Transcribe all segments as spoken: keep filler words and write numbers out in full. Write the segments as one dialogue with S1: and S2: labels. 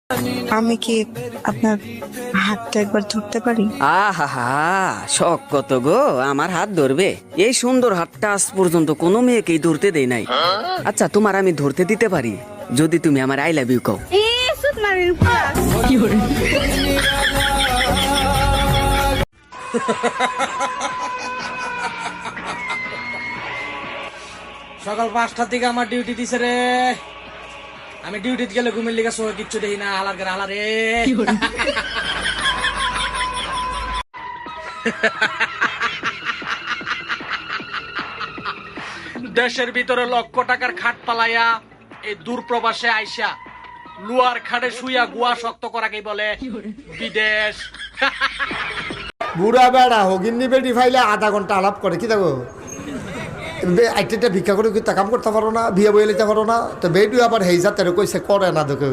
S1: আমি কি আপনার হাতটা একবার ধরতে পারি?
S2: আহা, শখ কত গো আমার হাত ধরবে? এই সুন্দর হাতটা আজ পর্যন্ত কোনো মেয়েকেই ধরতে দেই নাই। আচ্ছা, তোমার আমি ধরতে দিতে পারি যদি তুমি আমার আই লাভ ইউ কও।
S3: সকাল পাঁচটার দিকে আমার ডিউটি দিছে রে। আমি ডিউটিতে গেলে ঘুমের লিগা সহ কিচ্ছু দেখি না। হালার করে হালা রে। দেশের ভিতরে লক্ষ টাকার খাট পালাইয়া এই দূর প্রবাসে আইসা লুয়ার খাটে শুইয়া গুয়া শক্ত করাকেই বলে বিদেশ।
S4: বুড়া বেড়া হগিন্নি বেডি ফাইলে আধা ঘন্টা আলাপ করে কি দেখো একটা ভিক্ষা করে কি তা কাম করতে পারো না, বিয়ে বয়ে লিতে পারো না, তো বেডু আবার হেই যাতে কইছে করে না দেখে।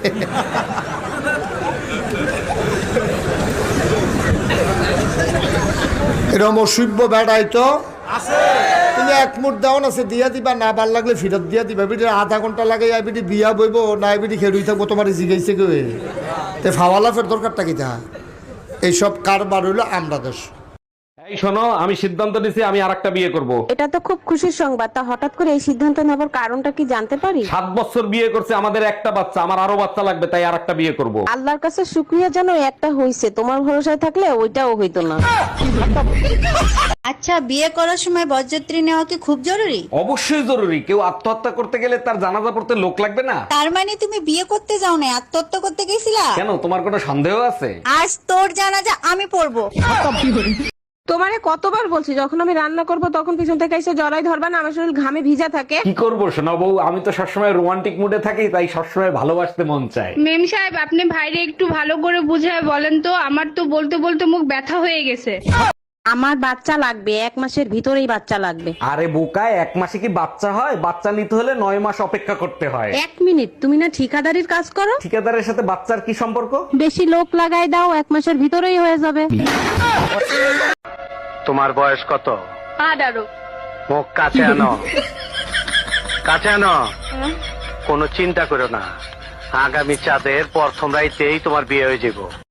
S4: এরকম অসভ্য বেড়াই তো তুমি এক মুঠ দেওয়া আছে দিয়া দিবা, না ভাল লাগলে ফিরত দিয়া দিবা। বিটি আধা ঘন্টা লাগে বিটি বিয়া বইব না, বিটি খেড়ুই থাকবো তোমার জিগাইছে কে তে ফাওয়ালা ফের দরকারটা কি তা? এইসব কারবার হইলো আমরা দেশ।
S5: এই শোনো, আমি সিদ্ধান্ত নিছি আমি আরেকটা বিয়ে করব।
S6: এটা তো খুব খুশির সংবাদ। তা হঠাৎ করে এই সিদ্ধান্ত নেবার কারণটা কি জানতে পারি?
S5: সাত বছর বিয়ে করছে, আমাদের একটা বাচ্চা, আমার আরো বাচ্চা লাগবে, তাই আরেকটা বিয়ে করব।
S6: আল্লাহর কাছে শুকরিয়া জানো একটা হইছে, তোমার ভরসায় থাকলে ওইটাও হইতো না।
S7: আচ্ছা, বিয়ে করার সময় বরযাত্রী নেওয়া কি খুব জরুরি?
S5: অবশ্যই জরুরি। কেউ আত্মহত্যা করতে গেলে তার জানাজা পড়তে লোক লাগবে না?
S7: তার মানে তুমি বিয়ে করতে যাও না, আত্মহত্যা করতে গেছিলা?
S5: কেন, তোমার কোনো সন্দেহ আছে?
S7: আজ তোর জানাজা আমি পড়বো।
S6: তোমারে কতবার বলছি যখন আমি রান্না করব তখন পিছন থেকে এসে জড়াই ধরবা না, আমার শরীর ঘামে ভিজা থাকে।
S5: কি করবো শোনা বউ, আমি তো সবসময় রোমান্টিক মুডে থাকি, তাই সবসময় ভালোবাসতে মন চায়।
S8: মেম সাহেব, আপনি ভাইরে একটু ভালো করে বুঝায় বলেন তো, আমার তো বলতে বলতে মুখ ব্যথা হয়ে গেছে।
S6: আমার বাচ্চা লাগবে, এক মাসের ভিতরেই বাচ্চা লাগবে।
S5: আরে বোকায়, এক মাসে কি বাচ্চা হয়? বাচ্চা নিতে হলে নয় মাস অপেক্ষা করতে হয়।
S6: এক মিনিট, তুমি না ঠিকাদারির কাজ করো?
S5: ঠিকাদারের সাথে বাচ্চার কি সম্পর্ক?
S6: বেশি লোক লাগাই দাও, এক মাসের ভিতরেই হয়ে যাবে।
S9: তোমার বয়স কত?
S8: আঠারো।
S9: মুখ কাছে আনো, কাছে আনো। কোনো চিন্তা করো না, আগামী চাঁদের প্রথম রাইতেই তোমার বিয়ে হয়ে যাবো।